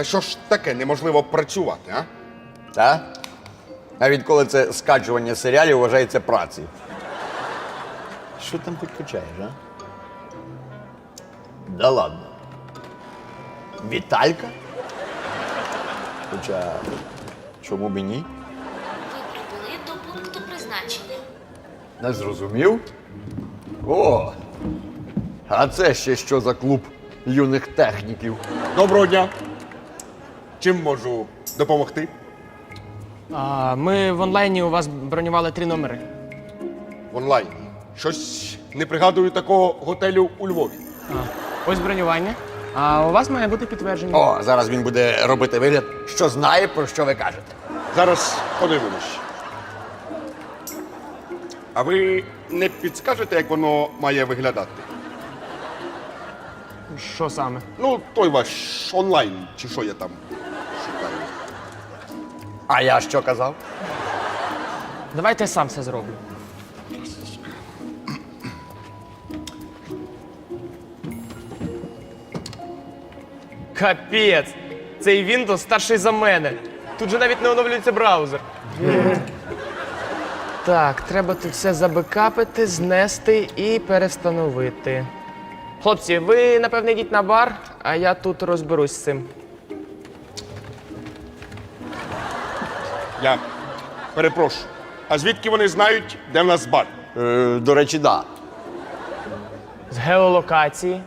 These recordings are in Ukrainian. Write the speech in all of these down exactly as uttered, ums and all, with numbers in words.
Та що ж таке неможливо працювати, а? Так? А відколи це скачування серіалів вважається працею? Що там хоч качаєш, а? Да ладно. Віталька? Хоча, чому б і ні? Ви прибули до пункту призначення. Не зрозумів? О! А це ще що за клуб юних техніків? Доброго дня. Чим можу допомогти? А, ми в онлайні у вас бронювали три номери. В онлайні. Щось не пригадую такого готелю у Львові. А, ось бронювання. А у вас має бути підтвердження. О, зараз він буде робити вигляд, що знає, про що ви кажете. Зараз подивимось. А ви не підскажете, як воно має виглядати? Що саме? Ну, той ваш онлайн, чи що я там шукаю. А я що казав? Давайте я сам все зроблю. Капець! Цей Windows старший за мене. Тут же навіть не оновлюється браузер. Так, треба тут все забекапити, знести і перестановити. Хлопці, ви, напевне, йдіть на бар, а я тут розберусь з цим. Я перепрошую. А звідки вони знають, де в нас бар? Е, до речі, да. З геолокації.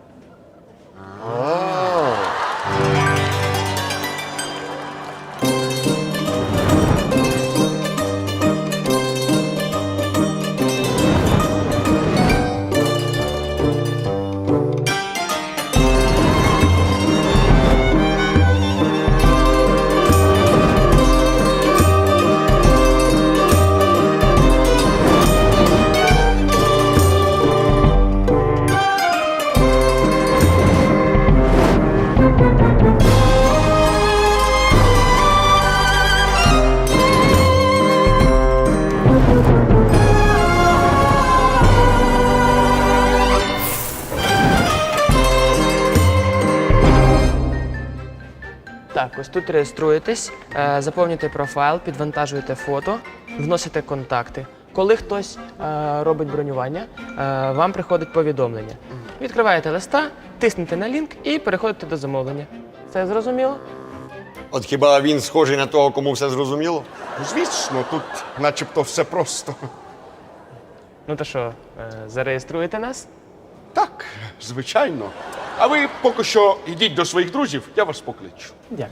Так, ось тут реєструєтесь, е, заповнюєте профайл, підвантажуєте фото, вносите контакти. Коли хтось е, робить бронювання, е, вам приходить повідомлення. Відкриваєте листа, тиснете на лінк і переходите до замовлення. Це зрозуміло? От хіба він схожий на того, кому все зрозуміло? Ну, звісно, тут начебто все просто. Ну то що, е, зареєструєте нас? Так, звичайно. А ви поки що йдіть до своїх друзів, я вас покличу. Дякую.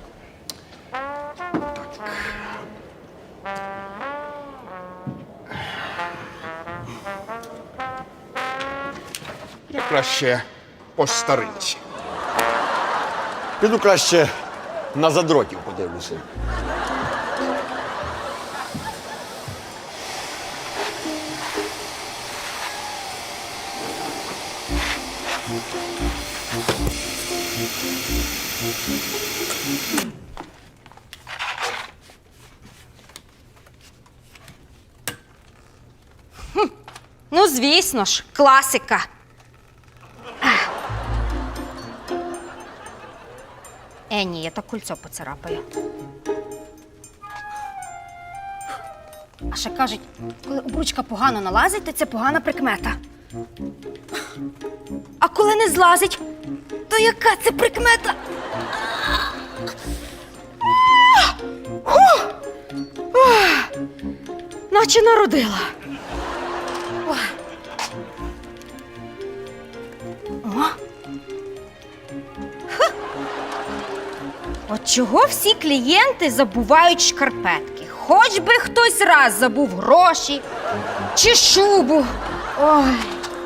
Я краще по старинці. Піду краще на задротів подивлюся. Ну, звісно ж, класика. Е, ні, я так кольцо поцарапаю. А ще кажуть, коли обручка погано налазить, то це погана прикмета. А коли не злазить, то яка це прикмета? Фух! Ох! Наче народила. Ох. О. Ха. От чого всі клієнти забувають шкарпетки? Хоч би хтось раз забув гроші чи шубу. Ой.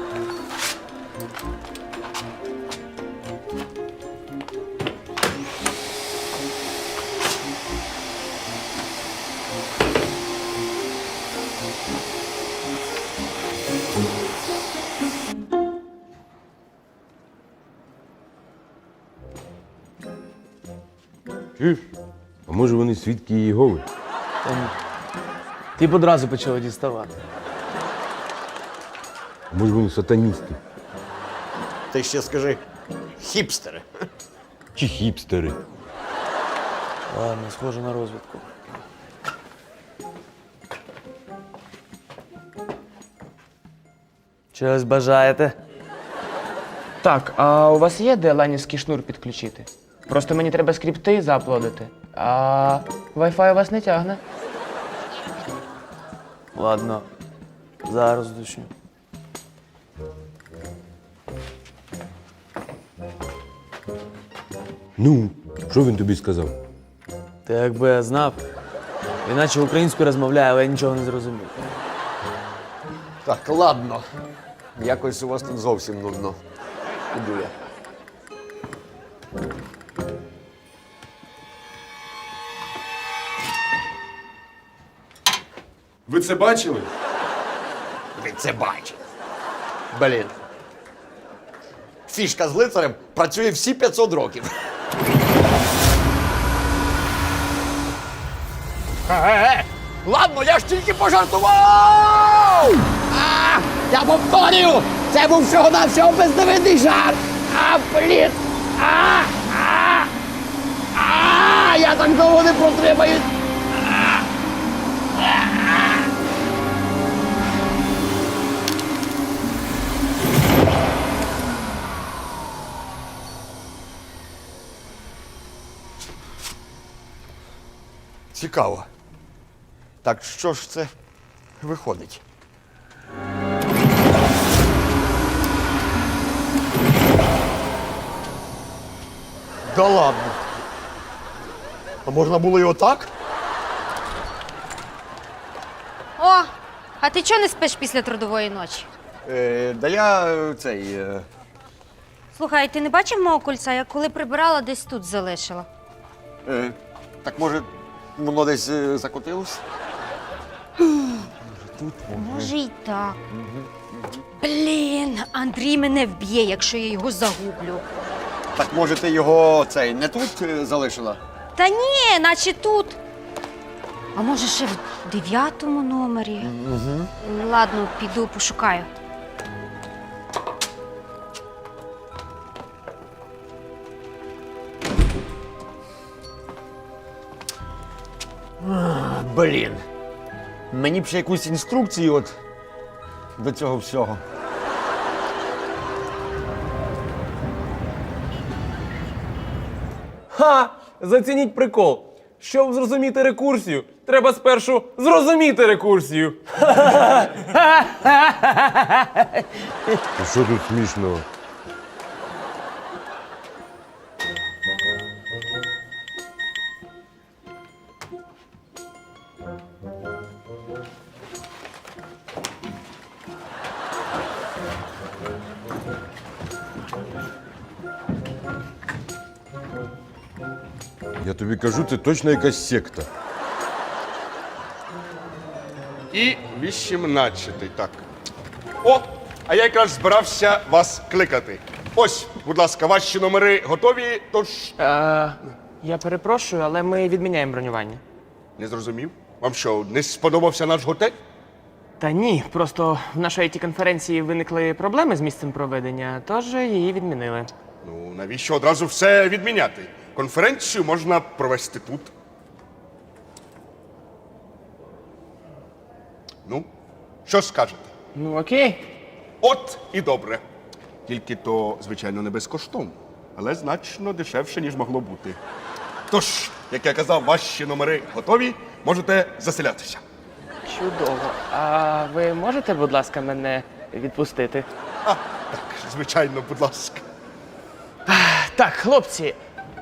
Чуєш? А може вони свідки Єгови? Ти б одразу почала діставати. А може вони сатаністи? Ти ще скажи хіпстери. Чи хіпстери? Ладно, схоже на розвідку. Чогось бажаєте? Так, а у вас є де ланівський шнур підключити? Просто мені треба скрипти зааплодити. А Wi-Fi у вас не тягне. Ладно, зараз дочу. Ну, що він тобі сказав? Та якби я знав, іначе українською розмовляю, але я нічого не зрозумів. Так, ладно. Якось у вас тут зовсім нудно. Іду я. Ви це бачили? Ви це бачите. Блін. Фішка з лицарем працює всі п'ятсот років. Е-е-е! Ладно, я ж тільки пожартував! А, я повторюю! Це був всього-навсього бездивидний жарт! А, блін! А, а, а, я так довго не протримаюсь! Цікаво. Так що ж це виходить? Да ладно. А можна було і отак? О, а ти чого не спиш після трудової ночі? Е, да я е, цей. Е, Слухай, ти не бачив мого кольця? Я коли прибирала, десь тут залишила. е, так може, воно десь е, закотилось? Може й так. Блін, Андрій мене вб'є, якщо я його загублю. Так може ти його цей не тут е, залишила? Та ні, наче тут. А може ще в дев'ятому номері? Угу. Ладно, піду пошукаю. Блін. Мені б ще якусь інструкцію от до цього всього. Ха! Зацініть прикол. Щоб зрозуміти рекурсію, треба спершу зрозуміти рекурсію. І що тут смішного? Я тобі кажу, це точно якась секта. І вісімнадцятий, так. О, а я якраз збирався вас кликати. Ось, будь ласка, ваші номери готові, тож... Е, я перепрошую, але ми відміняємо бронювання. Не зрозумів? Вам що, не сподобався наш готель? Та ні, просто в нашій ай ті-конференції виникли проблеми з місцем проведення, тож її відмінили. Ну, навіщо одразу все відміняти? Конференцію можна провести тут. Ну, що скажете? Ну окей. От і добре. Тільки то, звичайно, не безкоштовно, але значно дешевше, ніж могло бути. Тож, як я казав, ваші номери готові, можете заселятися. Чудово. А ви можете, будь ласка, мене відпустити? А, так, звичайно, будь ласка. Так, хлопці.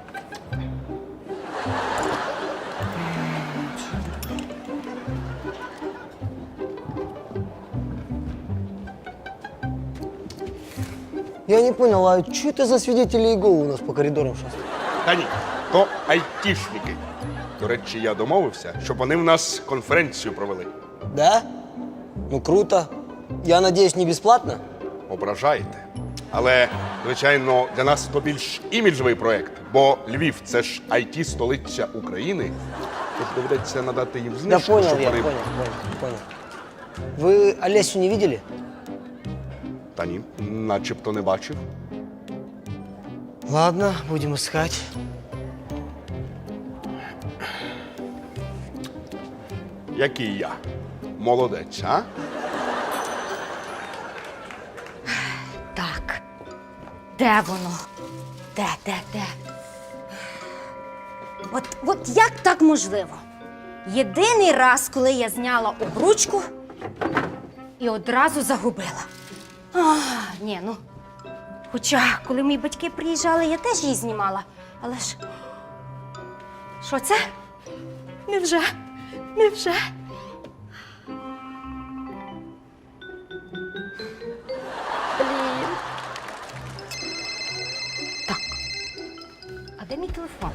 Я не понял, а что это за свидетели Иеговы у нас по коридорам шастают? Та ні, то айтішники. До речі, я домовився, щоб вони в нас конференцію провели. Да? Ну круто. Я надеюсь, не бесплатно? Ображаєте. Але, звичайно, для нас то більш іміджовий проєкт, бо Львів – це ж ай ті-столиця України. Тож доведеться надати їм Да знижку, понял щоб я, вони... понял, понял, понял. Вы Олесю не видели? Та ні, начебто не бачив. Ладно, будем искать. Який я? Молодець, а? Так. Де воно? Де, де, де? От, от як так можливо? Єдиний раз, коли я зняла обручку і одразу загубила. А, ні, ну. Хоча, коли мої батьки приїжджали, я теж її знімала. Але ж. Що це? Невже? Невже? Блін. Так. А де мій телефон?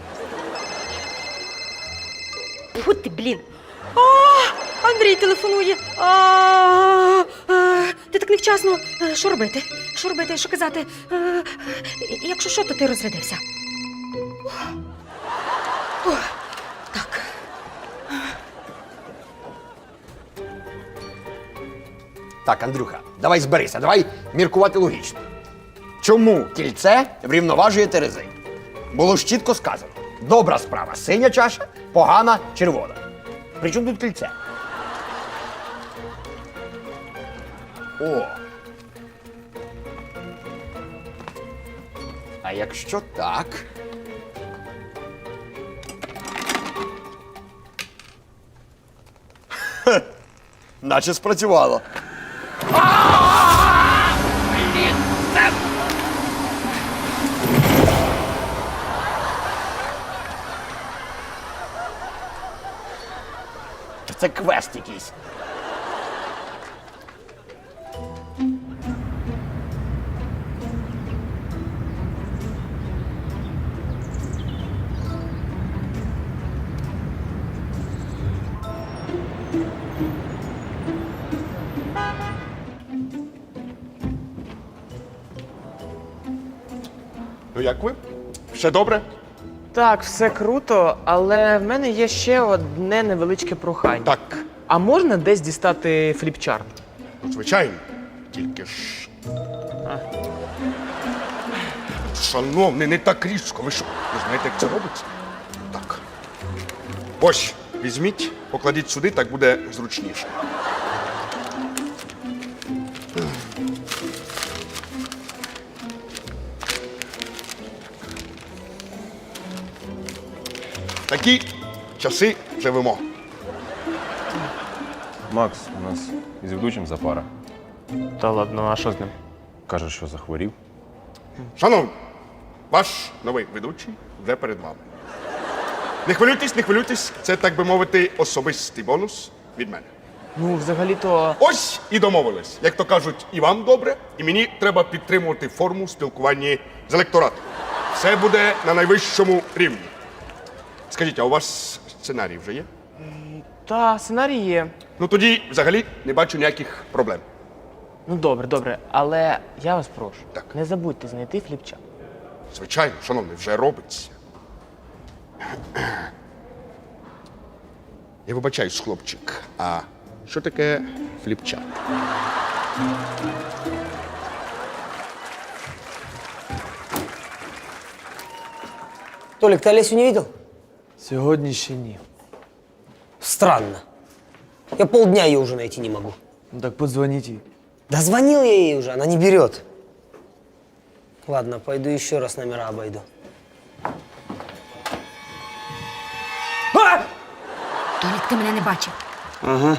Фу ти, блін. А, Андрій телефонує. А, а, ти так невчасно. Е, Що робити? Що робити? Що казати? Е, Якщо що, то ти розрядився. Ух. Так. Так, Андрюха, давай зберися, давай міркувати логічно. Чому кільце врівноважує терези? Було ж чітко сказано. Добра справа синя чаша, погана червона. При чому тут кільце? О. А якщо так. Хе, наче спрацювало. Це квест якийсь. Ну як ви? Все добре? Так, все круто, але в мене є ще одне невеличке прохання. Так, А можна десь дістати фліпчарт? звичайно. Тільки ж. Шановний, не так різко. Ви що? Ви знаєте, як це робиться? Так. Ось, візьміть, покладіть сюди, так буде зручніше. Такі часи живемо. Макс, у нас із ведучим запара. Та ладно, а що з ним? Каже, що захворів. Шановні, ваш новий ведучий вже перед вами. Не хвилюйтесь, не хвилюйтесь, це, так би мовити, особистий бонус від мене. Ну, взагалі-то. Ось і домовились. Як то кажуть, і вам добре, і мені треба підтримувати форму спілкування з електоратом. Все буде на найвищому рівні. Скажіть, а у вас сценарій вже є? Та, сценарій є. Ну тоді взагалі не бачу ніяких проблем. Ну добре, добре, але я вас прошу, Так. не забудьте знайти фліпчарт. Звичайно, шановний, вже робиться. Я вибачаюсь, хлопчик, а що таке фліпчарт? Толик, ты Олесю не видел? Сьогодні ще ні. Странно. Я полдня ее уже найти не могу. Ну так подзвоніть їй. Да звонил я ей уже, она не берет. Ладно, пойду еще раз номера обойду. А! Толік, ти мене не бачив. Ага.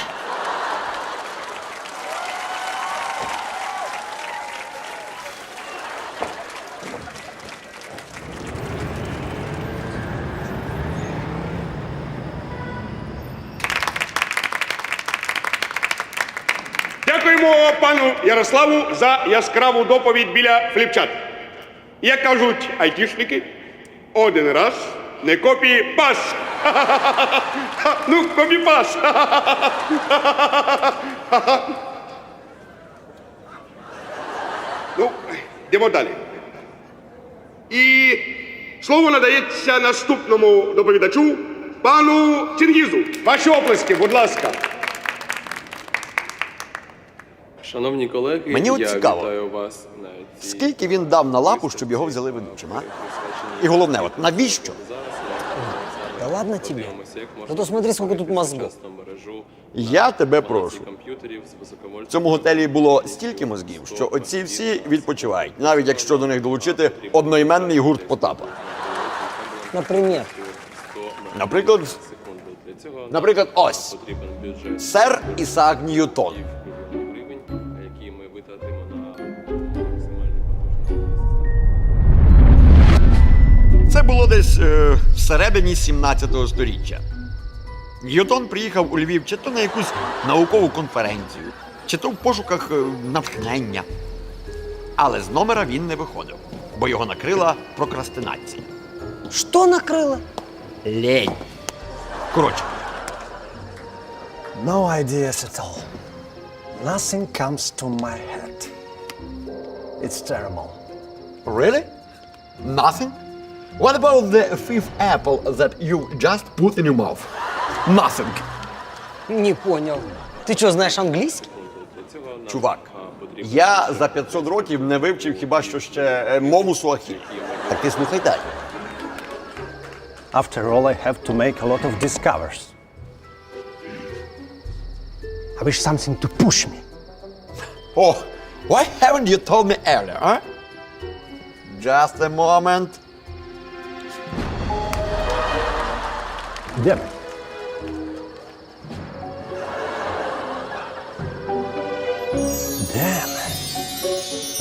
Дякуємо пану Ярославу за яскраву доповідь біля фліпчат. Як кажуть айтішники, один раз не копі-пас. Ну, копі-пас. Ну, йдемо далі. І слово надається наступному доповідачу, пану Чингізу. Ваші оплески, будь ласка. Шановні колеги, Мені от я цікаво, вітаю вас на цій Скільки він дав на лапу, щоб його взяли ведучим, а? І головне, от навіщо? Да ладно. ладно тебе. Подивимося, як можна Зато смотри, сколько тут створити мозгов. сучасну мережу Я тебе балансі прошу. комп'ютерів з високовольтними В цьому готелі було стільки мозгів, що оці всі відпочивають, навіть якщо до них долучити одноіменний гурт Потапа. Например. Наприклад, секунди. Для цього наприклад, ось потрібен бюджет сер Ісаак Ньютон. мільйонів гривень, які ми витратимо на максимальну потужність. Це було десь е, всередині сімнадцятого сторіччя. Ньютон приїхав у Львів чи то на якусь наукову конференцію, чи то в пошуках е, натхнення. Але з номера він не виходив, бо його накрила прокрастинація. Что накрыло? Лень. Коротше, No ideas at all. Nothing comes to my head. It's terrible. really? Nothing? What about the fifth apple that you just put in your mouth? Nothing. Не понял. Ты что, знаешь английский? Для цього нам Чувак, а, потрібен я за п'ятсот років не вивчив хіба що ще е, мову суахілі. Так ти слухай далі. After all, I have to make a lot of discoveries. I wish something to push me. Oh, why haven't you told me earlier, huh? Just a moment. Damn it. Damn it.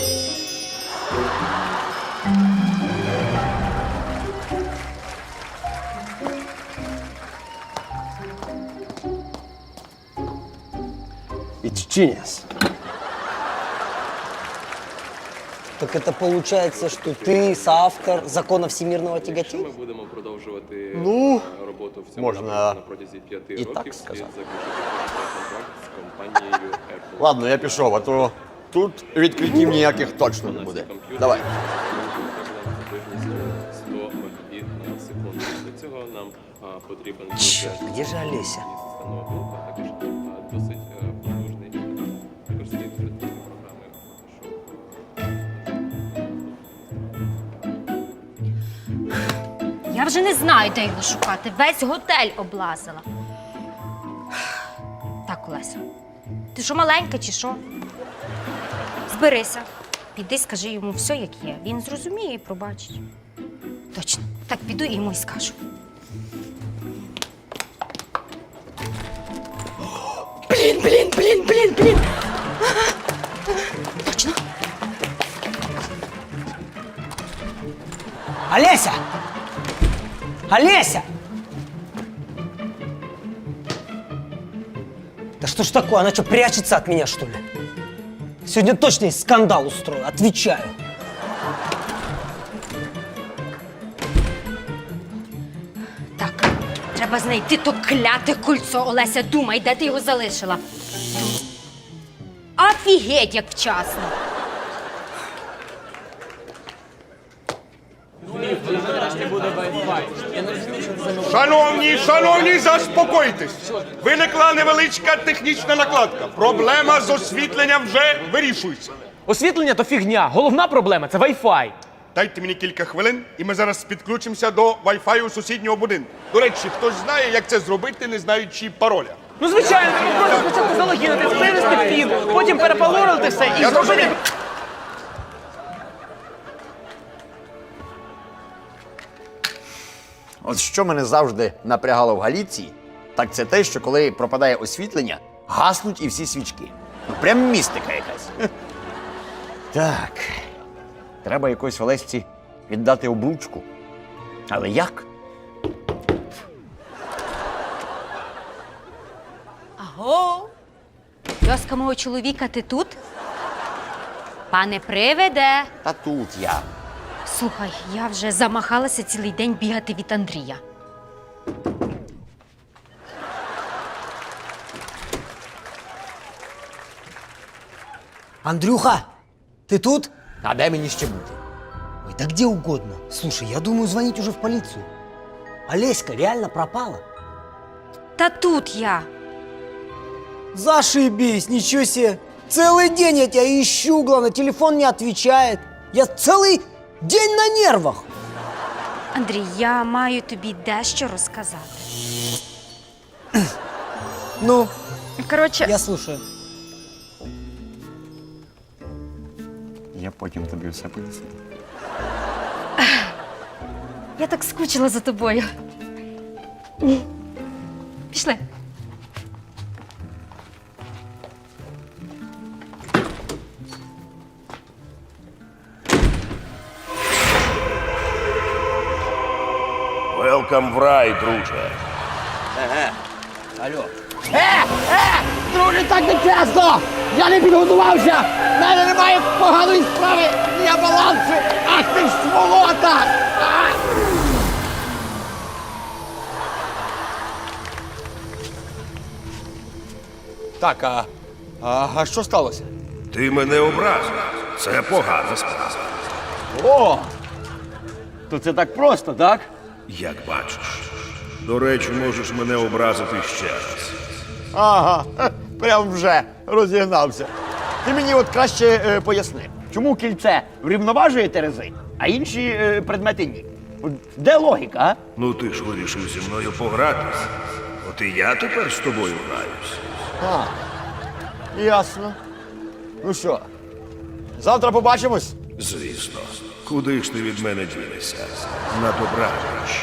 It's genius. Так это получается, что ты соавтор закона всемирного Якщо тяготения? ми будемо продовжувати Ну, е, роботу в цьому можна напрямку на протязі п'яти і так років, слід сказати. заключити контракт з компанією Apple. Ладно, я пішов, а то тут відкриттів ніяких точно не буде. Давай. Потужністю сто мегабіт на секунду. Для цього нам а, потрібен Черт, где же Олеся? системного блоку, а також а, досить е, потужний. Також слід придбати програми Photoshop. Я вже не знаю, де його шукати. Весь готель облазила. Так, Олеся, ти що, маленька чи що? Зберися. Піди, скажи йому все, як є. Він зрозуміє і пробачить. Точно. Так, піду і йому й скажу. Блін, блін, блін, блін, блін. Точно. Олеся! Олеся! Да что ж такое? Она что, прячется от меня, что ли? Сегодня точно есть скандал устрою, отвечаю. Так, треба знайти то кляте кольцо. Олеся, думай, де ти його залишила. Офігеть, як вчасно. Шановні, шановні, заспокойтесь. Виникла невеличка технічна накладка. Проблема з освітленням вже вирішується. Освітлення то фігня. Головна проблема це Wi-Fi. Дайте мені кілька хвилин, і ми зараз підключимося до Wi-Fi сусіднього будинку. До речі, хтось знає, як це зробити, не знаючи пароля. Ну, звичайно, треба просто спочатку залогінити, вивести пін, потім перепалорити все і Я зробити... зрозумів. От що мене завжди напрягало в Галіції, так це те, що коли пропадає освітлення, гаснуть і всі свічки. Ну, прям містика якась. Хе. Так. Треба якось Олесці віддати обручку. Але як? Аго! Йоска мого чоловіка, ти тут? Пане приведе. Та тут я. Слухай, я вже замахалася цілий день бігати від Андрія. Андрюха, ты тут? А де мені ще бути? Ой, да где угодно. Слушай, я думаю звонить уже в полицию. Олеська реально пропала. Та тут я. Зашибись, ничего себе. Целый день я тебя ищу, главное, телефон не отвечает. Я целый день на нервах. Андрій, я маю тобі дещо розказати. Ну, Коротше, я слушаю. Я потім тобі все поясню. я так скучила за тобою. Пішли. Велкам в рай, друже. Е, е, друже, так не чесно! Я не підготувався! В мене немає поганої справи! Я балансу! Ах ти ж сволота! А! Так, а, а, а що сталося? Ти мене образив. Це погана справа. О! То це так просто, так? Як бачиш. До речі, можеш мене образити ще раз. Ага, хе, прям вже розігнався. Ти мені от краще е, поясни, чому кільце врівноважує терези, а інші е, предмети ні? От де логіка, а? Ну ти ж вирішив зі мною погратись. От і я тепер з тобою граюсь. А, ясно. Ну що, завтра побачимось? Звісно. Куди ж ти від мене дінешся? На добраніч.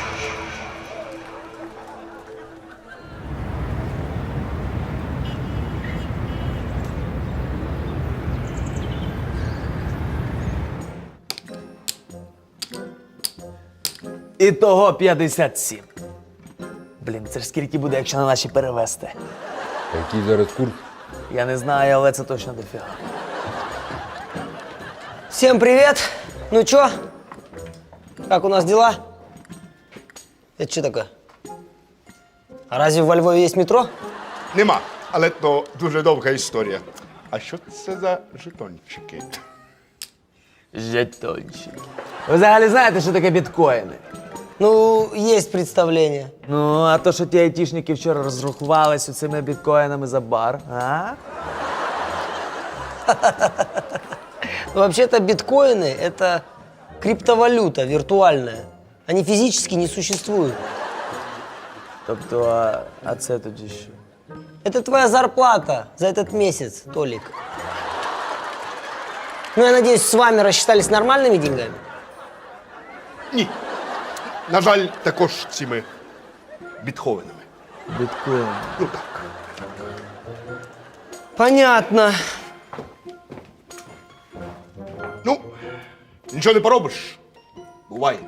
Ітого п'ятдесят сім. Блін, це ж скільки буде, якщо на наші перевести? Який зараз курс? Я не знаю, але це точно дофіга. Всем привет! Ну чё? Как у нас дела? Это что такое? А разве во Львове есть метро? Нема, але то дуже довга історія. А що це за жетончики? Жетончики. Ви взагалі знаєте, що таке біткоїни? Ну, есть представление. Ну, а то, що ті айтішники вчора розрахувалися цими біткоїнами за бар, а? Ну, вообще-то биткоины — это криптовалюта виртуальная. Они физически не существуют. Тобто, а, а це тоді що? Это твоя зарплата за этот месяц, Толик. Ну, я надеюсь, с вами рассчитались нормальными деньгами? Ні. На жаль, також цими бітховенами. Біткоїни. Ну так. Понятно. Ну, нічого не поробиш. Буває.